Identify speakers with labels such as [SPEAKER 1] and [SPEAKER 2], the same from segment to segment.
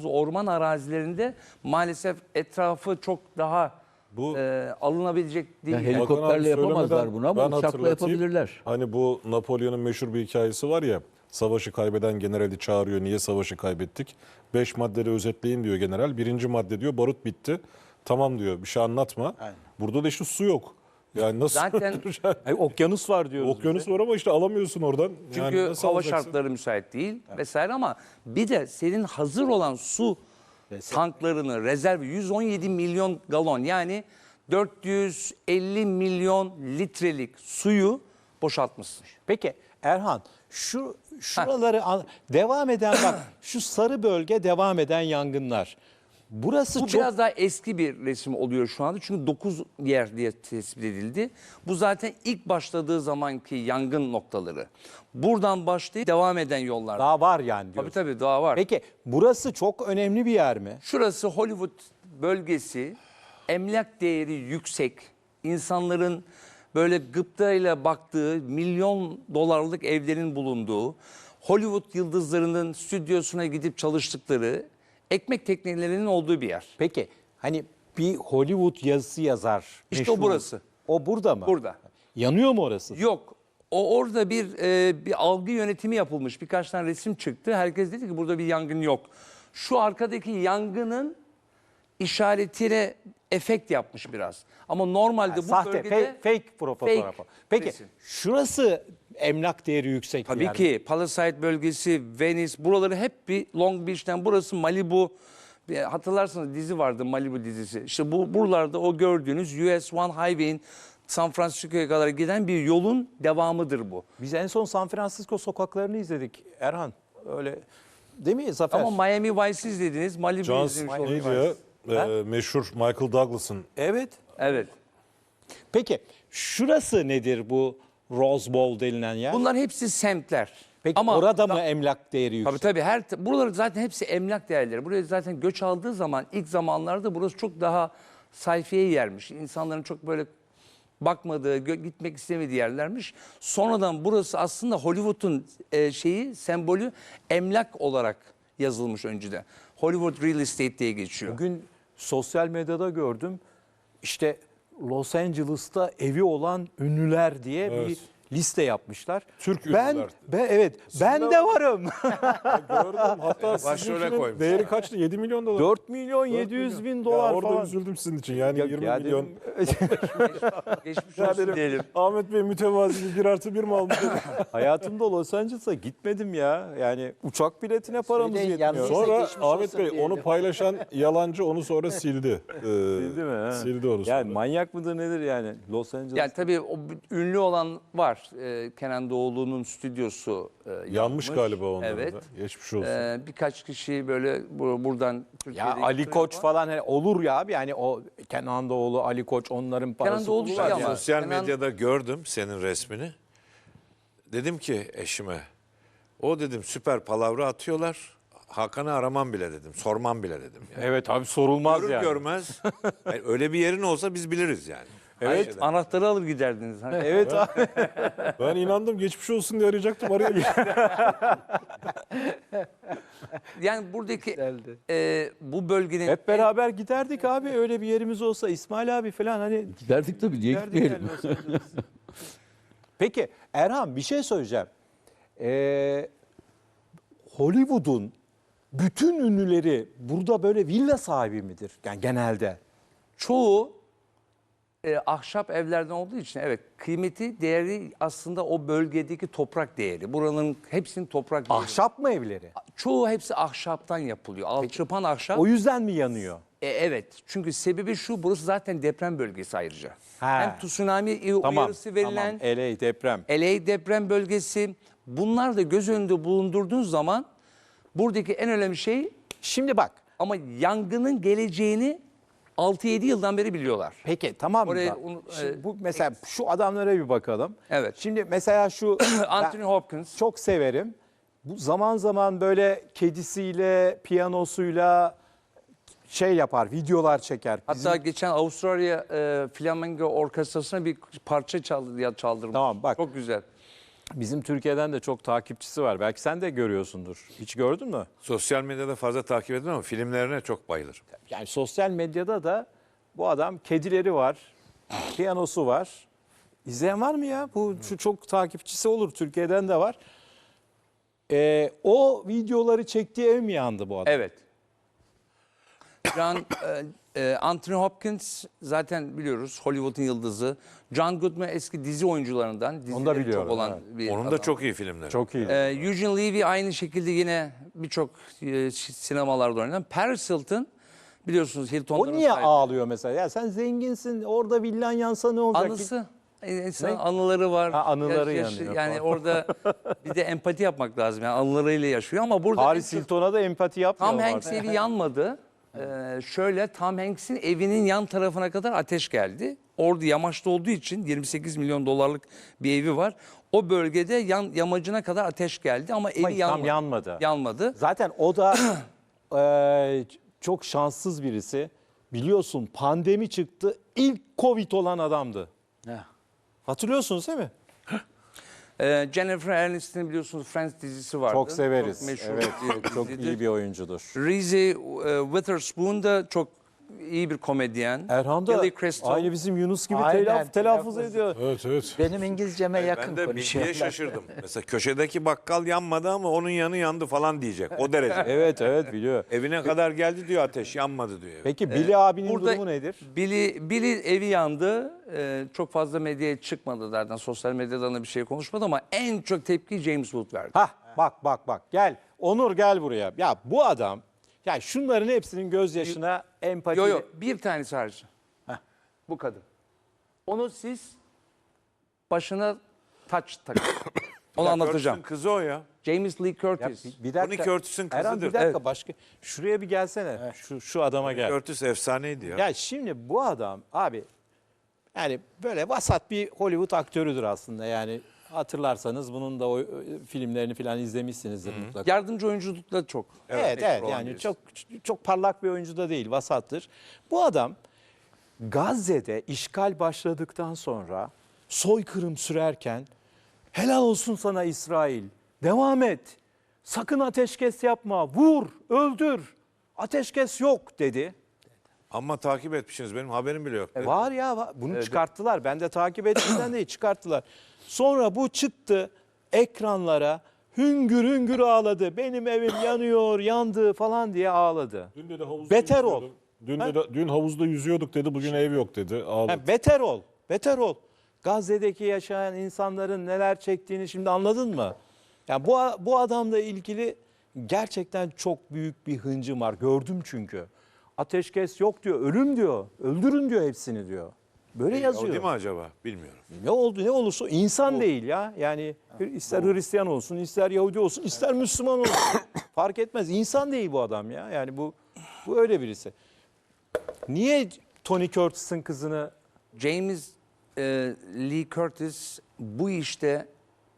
[SPEAKER 1] bazı orman arazilerinde maalesef etrafı çok daha alınabilecek değil.
[SPEAKER 2] Ya helikopterle yapamazlar bunu ama uçakla
[SPEAKER 3] hatırlatayım.
[SPEAKER 2] yapabilirler.
[SPEAKER 3] Hani bu Napolyon'un meşhur bir hikayesi var ya. Savaşı kaybeden generali çağırıyor. Niye savaşı kaybettik? 5 maddede özetleyin diyor general. Birinci madde diyor barut bitti. Tamam diyor bir şey anlatma.
[SPEAKER 4] Aynen.
[SPEAKER 3] Burada da işte su yok. Yani nasıl?
[SPEAKER 1] Zaten
[SPEAKER 4] Okyanus var diyoruz.
[SPEAKER 3] Okyanus var ama işte alamıyorsun oradan.
[SPEAKER 1] çünkü
[SPEAKER 3] Yani nasıl
[SPEAKER 1] hava
[SPEAKER 3] alacaksın?
[SPEAKER 1] şartları müsait değil vesaire ama bir de senin hazır olan su tanklarını rezerv 117 milyon galon yani 450 milyon litrelik suyu boşaltmışsın.
[SPEAKER 4] Peki Erhan şuraları devam eden bak şu sarı bölge devam eden yangınlar. Burası
[SPEAKER 1] Bu
[SPEAKER 4] çok
[SPEAKER 1] biraz daha eski bir resim oluyor şu anda. Çünkü 9 yer diye tespit edildi. Bu zaten ilk başladığı zamanki yangın noktaları. Buradan başlayıp devam eden yollar.
[SPEAKER 4] daha var yani diyorsun.
[SPEAKER 1] Tabii daha var.
[SPEAKER 4] Peki burası çok önemli bir yer mi?
[SPEAKER 1] Şurası Hollywood bölgesi. Emlak değeri yüksek. İnsanların böyle gıptayla baktığı milyon dolarlık evlerin bulunduğu, Hollywood yıldızlarının stüdyosuna gidip çalıştıkları, ekmek teknelerinin olduğu bir yer.
[SPEAKER 4] Peki hani bir Hollywood yazısı yazar.
[SPEAKER 1] İşte o burası.
[SPEAKER 4] O burada mı?
[SPEAKER 1] Burada.
[SPEAKER 4] Yanıyor mu orası?
[SPEAKER 1] Yok. Orada bir algı yönetimi yapılmış. Birkaç tane resim çıktı. Herkes dedi ki burada bir yangın yok. Şu arkadaki yangının işaretine efekt yapmış biraz. Ama normalde bu
[SPEAKER 4] Sahte,
[SPEAKER 1] bölgede
[SPEAKER 4] fake fotoğrafı. Peki
[SPEAKER 1] resim.
[SPEAKER 4] şurası emlak değeri yüksek bir
[SPEAKER 1] Tabii
[SPEAKER 4] yer mi?
[SPEAKER 1] ki Palisade bölgesi, Venice buraları hep bir Long Beach'ten burası Malibu. Hatırlarsınız dizi vardı Malibu dizisi. İşte buralarda o gördüğünüz US One Highway'in San Francisco'ya kadar giden bir yolun devamıdır bu.
[SPEAKER 4] Biz en son San Francisco sokaklarını izledik Erhan. Öyle değil mi Zafer?
[SPEAKER 1] Ama Miami Vice izlediniz, Malibu
[SPEAKER 3] John
[SPEAKER 1] izlemiş
[SPEAKER 3] neydi
[SPEAKER 1] oldunuz.
[SPEAKER 3] ya? Meşhur Michael Douglas'ın.
[SPEAKER 4] Evet.
[SPEAKER 1] Evet.
[SPEAKER 4] Peki şurası nedir bu Rose Bowl denilen yer?
[SPEAKER 1] Bunlar hepsi semtler.
[SPEAKER 4] Peki orada mı emlak değeri yüksek?
[SPEAKER 1] Tabii buraları zaten hepsi emlak değerleri. Buraya zaten göç aldığı zaman ilk zamanlarda burası çok daha sayfiye yermiş. İnsanların çok böyle bakmadığı, gitmek istemediği yerlermiş. Sonradan burası aslında Hollywood'un sembolü emlak olarak yazılmış önceden. Hollywood Real Estate diye geçiyor.
[SPEAKER 4] Bugün sosyal medyada gördüm. İşte Los Angeles'ta evi olan ünlüler diye bir liste yapmışlar.
[SPEAKER 3] Türk
[SPEAKER 4] ben,
[SPEAKER 3] ünlüler.
[SPEAKER 4] ben de varım.
[SPEAKER 3] Gördüm. Hatta
[SPEAKER 5] Başrole
[SPEAKER 3] sizinkinin
[SPEAKER 5] koymuş.
[SPEAKER 3] değeri kaçtı? 7 milyon dolar.
[SPEAKER 4] 4 milyon 700 bin dolar
[SPEAKER 3] ya orada
[SPEAKER 4] falan.
[SPEAKER 3] üzüldüm sizin için. Yani
[SPEAKER 4] Yok
[SPEAKER 3] 20
[SPEAKER 4] ya
[SPEAKER 3] milyon.
[SPEAKER 1] Geçmiş
[SPEAKER 3] Ya
[SPEAKER 1] olsun
[SPEAKER 3] dedim,
[SPEAKER 1] diyelim.
[SPEAKER 3] Ahmet Bey mütevazi bir 1+1 mi almış?
[SPEAKER 4] Hayatımda Los Angeles'a gitmedim ya. Yani uçak biletine paramız
[SPEAKER 2] Söyleyin,
[SPEAKER 4] yetmiyor.
[SPEAKER 2] yalnız-
[SPEAKER 3] Sonra
[SPEAKER 2] geçmiş
[SPEAKER 3] Ahmet
[SPEAKER 2] olsun
[SPEAKER 3] Bey
[SPEAKER 2] diyelim.
[SPEAKER 3] onu paylaşan yalancı onu sonra sildi.
[SPEAKER 4] Sildi mi? Ha?
[SPEAKER 3] Sildi onu sonra.
[SPEAKER 4] Yani manyak mıdır nedir yani Los Angeles?
[SPEAKER 1] Yani tabii o ünlü olan var. Kenan Doğulu'nun stüdyosu
[SPEAKER 3] Yanmış galiba onların
[SPEAKER 1] Evet.
[SPEAKER 3] da. Geçmiş olsun.
[SPEAKER 1] Birkaç kişi böyle buradan
[SPEAKER 4] Ya
[SPEAKER 1] Türkiye'deki
[SPEAKER 4] Ali Koç falan hani olur ya abi yani o Kenan Doğulu, Ali Koç onların parası
[SPEAKER 1] Doğulu
[SPEAKER 4] olur
[SPEAKER 1] şey
[SPEAKER 4] ya.
[SPEAKER 1] ama-
[SPEAKER 5] Sosyal
[SPEAKER 1] Kenan-
[SPEAKER 5] medyada gördüm senin resmini. Dedim ki eşime, o dedim süper palavra atıyorlar. Hakan'ı aramam bile dedim, sormam bile dedim. Yani.
[SPEAKER 4] Evet abi sorulmaz
[SPEAKER 5] Görür
[SPEAKER 4] yani.
[SPEAKER 5] görmez, yani öyle bir yerin olsa biz biliriz yani.
[SPEAKER 1] Evet. Anahtarı alır giderdiniz.
[SPEAKER 4] Evet abi.
[SPEAKER 3] Ben inandım geçmiş olsun diye arayacaktım. Araya
[SPEAKER 1] Yani buradaki bu bölgenin
[SPEAKER 4] Hep beraber giderdik abi öyle bir yerimiz olsa İsmail abi falan hani
[SPEAKER 2] Giderdik tabii, niye
[SPEAKER 4] giderdik
[SPEAKER 2] gitmeyelim?
[SPEAKER 4] yani Los Angeles. Peki Erhan bir şey söyleyeceğim. Hollywood'un bütün ünlüleri burada böyle villa sahibi midir? Yani genelde.
[SPEAKER 1] çoğu ahşap evlerden olduğu için evet kıymeti değeri aslında o bölgedeki toprak değeri. Buranın hepsinin toprak değeri.
[SPEAKER 4] Ahşap mı evleri?
[SPEAKER 1] Çoğu hepsi ahşaptan yapılıyor. Alçıpan ahşap.
[SPEAKER 4] O yüzden mi yanıyor?
[SPEAKER 1] Evet. Çünkü sebebi şu, burası zaten deprem bölgesi ayrıca.
[SPEAKER 4] Ha.
[SPEAKER 1] Hem tsunami
[SPEAKER 4] Tamam.
[SPEAKER 1] uyarısı verilen
[SPEAKER 4] Tamam. LA deprem.
[SPEAKER 1] LA deprem bölgesi. Bunlar da göz önünde bulundurduğun zaman buradaki en önemli şey
[SPEAKER 4] Şimdi bak.
[SPEAKER 1] ama yangının geleceğini 6-7 yıldan beri biliyorlar.
[SPEAKER 4] Peki tamam mı?
[SPEAKER 1] Oraya
[SPEAKER 4] Şimdi bu mesela şu adamlara bir bakalım.
[SPEAKER 1] Evet.
[SPEAKER 4] Şimdi mesela şu
[SPEAKER 1] Anthony
[SPEAKER 4] ben
[SPEAKER 1] Hopkins.
[SPEAKER 4] çok severim. Bu zaman zaman böyle kedisiyle, piyanosuyla şey yapar, videolar çeker.
[SPEAKER 1] Hatta geçen Avustralya Flamingo Orkestrası'na bir parça çaldırmış.
[SPEAKER 4] Tamam, bak.
[SPEAKER 1] Çok güzel.
[SPEAKER 4] Bizim Türkiye'den de çok takipçisi var. Belki sen de görüyorsundur. Hiç gördün mü?
[SPEAKER 5] Sosyal medyada fazla takip etmem ama filmlerine çok bayılırım.
[SPEAKER 4] Yani sosyal medyada da bu adam kedileri var, piyanosu var. İzleyen var mı ya? Şu çok takipçisi olur. Türkiye'den de var. O videoları çektiği ev mi yandı bu adam?
[SPEAKER 1] Evet. Anthony Hopkins zaten biliyoruz Hollywood'un yıldızı. John Goodman eski dizi oyuncularından.
[SPEAKER 4] Onu da
[SPEAKER 1] dizileri
[SPEAKER 4] biliyorum,
[SPEAKER 1] çok olan
[SPEAKER 4] evet.
[SPEAKER 1] bir
[SPEAKER 5] Onun da
[SPEAKER 1] adam.
[SPEAKER 5] çok iyi filmleri.
[SPEAKER 4] Çok iyi.
[SPEAKER 1] Eugene Levy aynı şekilde yine birçok sinemalarda oynayan. Paris Hilton biliyorsunuz
[SPEAKER 4] O
[SPEAKER 1] Hilton'ların
[SPEAKER 4] niye
[SPEAKER 1] sahibi.
[SPEAKER 4] ağlıyor mesela? Ya sen zenginsin, orada villan yansa ne olacak?
[SPEAKER 1] Anısı. İnsan
[SPEAKER 4] Ne?
[SPEAKER 1] anıları var.
[SPEAKER 4] Ha, anıları yanıyor
[SPEAKER 1] Yani
[SPEAKER 4] falan.
[SPEAKER 1] orada bir de empati yapmak lazım. Yani anılarıyla yaşıyor ama burada
[SPEAKER 4] Paris
[SPEAKER 1] en çok
[SPEAKER 4] Hilton'a da empati
[SPEAKER 1] Tom
[SPEAKER 4] yapmıyorlar.
[SPEAKER 1] Hanks evi yanmadı. Şöyle Tom Hanks'in evinin yan tarafına kadar ateş geldi. Orada yamaçta olduğu için 28 milyon dolarlık bir evi var. O bölgede yamacına kadar ateş geldi ama evi
[SPEAKER 4] Tam
[SPEAKER 1] yanmadı.
[SPEAKER 4] yanmadı.
[SPEAKER 1] Yanmadı.
[SPEAKER 4] Zaten o da çok şanssız birisi. Biliyorsun pandemi çıktı. İlk Covid olan adamdı. Hatırlıyorsunuz değil mi?
[SPEAKER 1] Jennifer Aniston'ın biliyorsunuz Friends dizisi vardı.
[SPEAKER 4] Çok severiz.
[SPEAKER 1] Çok meşhur
[SPEAKER 4] Evet,
[SPEAKER 1] bir
[SPEAKER 4] çok
[SPEAKER 1] dizidir.
[SPEAKER 4] iyi bir oyuncudur.
[SPEAKER 1] Reese Witherspoon da çok iyi bir komedyen.
[SPEAKER 4] Erhan da
[SPEAKER 1] Billy Crystal.
[SPEAKER 4] aynı bizim Yunus gibi
[SPEAKER 6] Aynen,
[SPEAKER 4] telaffuz
[SPEAKER 6] telaffuz
[SPEAKER 4] ediyor.
[SPEAKER 3] Evet evet.
[SPEAKER 6] Benim İngilizceme yakın
[SPEAKER 5] Ben de
[SPEAKER 6] konuşuyorlar.
[SPEAKER 5] bilgiye şaşırdım. Mesela köşedeki bakkal yanmadı ama onun yanı yandı falan diyecek. O derece.
[SPEAKER 4] Evet evet biliyor.
[SPEAKER 5] Evine kadar geldi diyor ateş yanmadı diyor.
[SPEAKER 4] Peki Billy abinin
[SPEAKER 1] Burada
[SPEAKER 4] durumu nedir?
[SPEAKER 1] Billy evi yandı. Çok fazla medyaya çıkmadı zaten. Sosyal medyadan da bir şey konuşmadı ama en çok tepki James Wood verdi.
[SPEAKER 4] Hah bak gel. Onur gel buraya. Ya bu adam ya şunların hepsinin gözyaşına empati.
[SPEAKER 1] Yo bir tanesi hariç. Bu kadın. Onu siz başına taç takın. Onu anlatacağım.
[SPEAKER 5] Curtis'in kızı o ya.
[SPEAKER 1] James Lee Curtis.
[SPEAKER 4] Bir dakika.
[SPEAKER 5] Tony Curtis'in
[SPEAKER 4] Erhan bir
[SPEAKER 5] kızıdır.
[SPEAKER 4] dakika başka. Şuraya bir gelsene. Şu adama gel.
[SPEAKER 5] Curtis efsaneydi ya.
[SPEAKER 4] Ya şimdi bu adam abi yani böyle vasat bir Hollywood aktörüdür aslında yani. Hatırlarsanız bunun da o filmlerini falan izlemişsinizdir mutlaka.
[SPEAKER 1] Yardımcı oyunculukta çok.
[SPEAKER 4] Evet
[SPEAKER 1] meşhur olan
[SPEAKER 4] yani
[SPEAKER 1] birisi.
[SPEAKER 4] çok parlak bir oyuncu da değil, vasattır. Bu adam Gazze'de işgal başladıktan sonra soykırım sürerken helal olsun sana İsrail. Devam et. Sakın ateşkes yapma. Vur, öldür. Ateşkes yok dedi.
[SPEAKER 5] Ama takip etmişsiniz benim haberim bile yok.
[SPEAKER 4] Var ya bunu çıkarttılar. Ben de takip ettiğimden değil çıkarttılar. Sonra bu çıktı ekranlara hüngür hüngür ağladı. Benim evim yanıyor, yandı falan diye ağladı.
[SPEAKER 3] Dün de havuzda
[SPEAKER 4] Beter ol.
[SPEAKER 3] yüzüyordum. Dün havuzda yüzüyorduk dedi. Bugün ev yok dedi. Ağladı.
[SPEAKER 4] Ha, beter ol, beter ol. Gazze'deki yaşayan insanların neler çektiğini şimdi anladın mı? Yani bu adamla ilgili gerçekten çok büyük bir hıncım var. Gördüm çünkü. Ateşkes yok diyor, ölüm diyor. Öldürün diyor hepsini diyor. Böyle
[SPEAKER 5] O
[SPEAKER 4] yazıyor.
[SPEAKER 5] değil mi acaba? Bilmiyorum.
[SPEAKER 4] Ne oldu ne olursa insan değil ya. Yani ister Hristiyan olsun, ister Yahudi olsun, ister Müslüman olsun. Fark etmez. İnsan değil bu adam ya. Yani bu öyle birisi. Niye Tony Curtis'in kızını
[SPEAKER 1] James Lee Curtis bu işte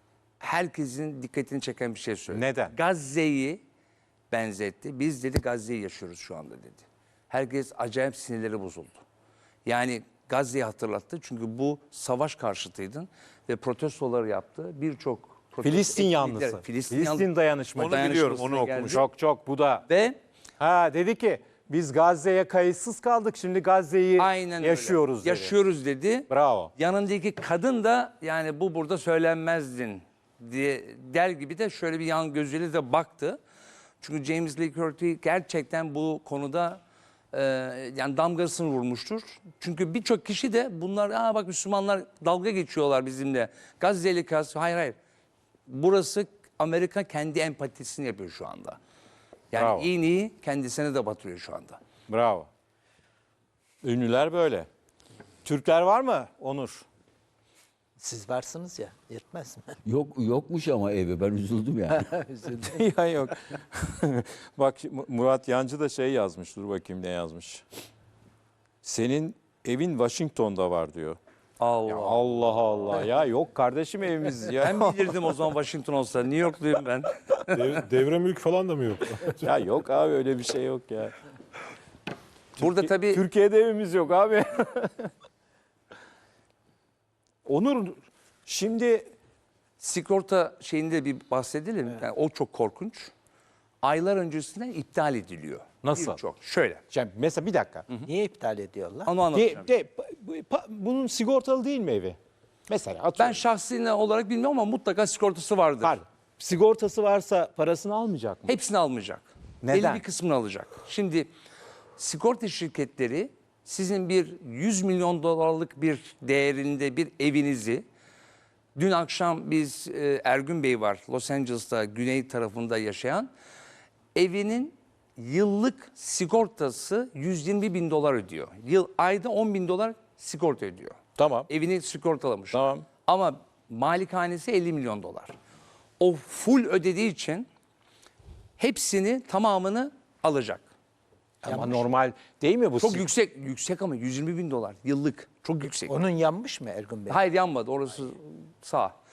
[SPEAKER 1] herkesin dikkatini çeken bir şey söyledi.
[SPEAKER 4] Neden?
[SPEAKER 1] Gazze'yi benzetti. Biz dedi Gazze'yi yaşıyoruz şu anda dedi. Herkes acayip sinirleri bozuldu. Yani Gazze'yi hatırlattı. Çünkü bu savaş karşıtıydın ve protestoları yaptı. Birçok protesto
[SPEAKER 4] Filistin
[SPEAKER 1] etkinlikler-
[SPEAKER 4] yanlısı. Filistin dayanışması.
[SPEAKER 5] Onu biliyorum, onu
[SPEAKER 1] geldi.
[SPEAKER 5] okumuş.
[SPEAKER 4] Çok bu da.
[SPEAKER 1] Ve
[SPEAKER 4] Dedi ki biz Gazze'ye kayıtsız kaldık. Şimdi Gazze'yi
[SPEAKER 1] aynen öyle.
[SPEAKER 4] yaşıyoruz dedi.
[SPEAKER 1] Yaşıyoruz dedi.
[SPEAKER 4] Bravo.
[SPEAKER 1] Yanındaki kadın da yani bu burada söylenmezdin diye der gibi de şöyle bir yan gözüyle de baktı. Çünkü James Lee Curtis gerçekten bu konuda yani damgasını vurmuştur. Çünkü birçok kişi de bunlar bak Müslümanlar dalga geçiyorlar bizimle. Gazze'li hayır. Burası Amerika kendi empatisini yapıyor şu anda. Yani
[SPEAKER 4] Bravo.
[SPEAKER 1] iğneyi kendisine de batırıyor şu anda.
[SPEAKER 4] Bravo. Ünlüler böyle. Türkler var mı Onur?
[SPEAKER 6] Siz varsınız ya, yetmez mi?
[SPEAKER 2] Yokmuş ama evi, ben üzüldüm yani.
[SPEAKER 4] Ya yok. Bak Murat Yancı da şey yazmış. Dur bakayım ne yazmış. Senin evin Washington'da var diyor.
[SPEAKER 1] Allah.
[SPEAKER 4] Ya Allah Allah. Ya yok kardeşim evimiz ya.
[SPEAKER 1] Ben bilirdim o zaman Washington olsa. New Yorkluyum ben.
[SPEAKER 3] Devre mülk falan da mı yok?
[SPEAKER 4] Ya yok abi öyle bir şey yok ya.
[SPEAKER 1] Burada tabii
[SPEAKER 4] Türkiye'de evimiz yok abi. Onur şimdi
[SPEAKER 1] Sigorta şeyinde bir bahsedelim. Yani o çok korkunç. Aylar öncesinden iptal ediliyor.
[SPEAKER 4] Nasıl?
[SPEAKER 1] Birçok. Şöyle.
[SPEAKER 4] Yani mesela bir dakika.
[SPEAKER 6] Niye iptal ediyorlar?
[SPEAKER 1] Onu anlatacağım.
[SPEAKER 4] Bunun sigortalı değil mi evi? Mesela
[SPEAKER 1] Ben
[SPEAKER 4] atıyorum.
[SPEAKER 1] şahsi olarak bilmiyorum ama mutlaka sigortası vardır.
[SPEAKER 4] Pardon. Sigortası varsa parasını almayacak mı?
[SPEAKER 1] Hepsini almayacak.
[SPEAKER 4] Neden?
[SPEAKER 1] Belli bir kısmını alacak. Şimdi sigorta şirketleri sizin bir 100 milyon dolarlık bir değerinde bir evinizi, dün akşam biz Ergün Bey var Los Angeles'ta güney tarafında yaşayan, evinin yıllık sigortası 120 bin dolar ödüyor. Ayda 10 bin dolar sigorta ödüyor.
[SPEAKER 4] Tamam.
[SPEAKER 1] Evini sigortalamış.
[SPEAKER 4] Tamam.
[SPEAKER 1] Ama malikanesi 50 milyon dolar. O full ödediği için hepsini tamamını alacak.
[SPEAKER 4] Ama normal değil mi bu?
[SPEAKER 1] Çok yüksek ama 120 bin dolar yıllık. Çok yüksek.
[SPEAKER 6] Onun yanmış mı Ergun Bey?
[SPEAKER 1] Hayır yanmadı, orası sağ.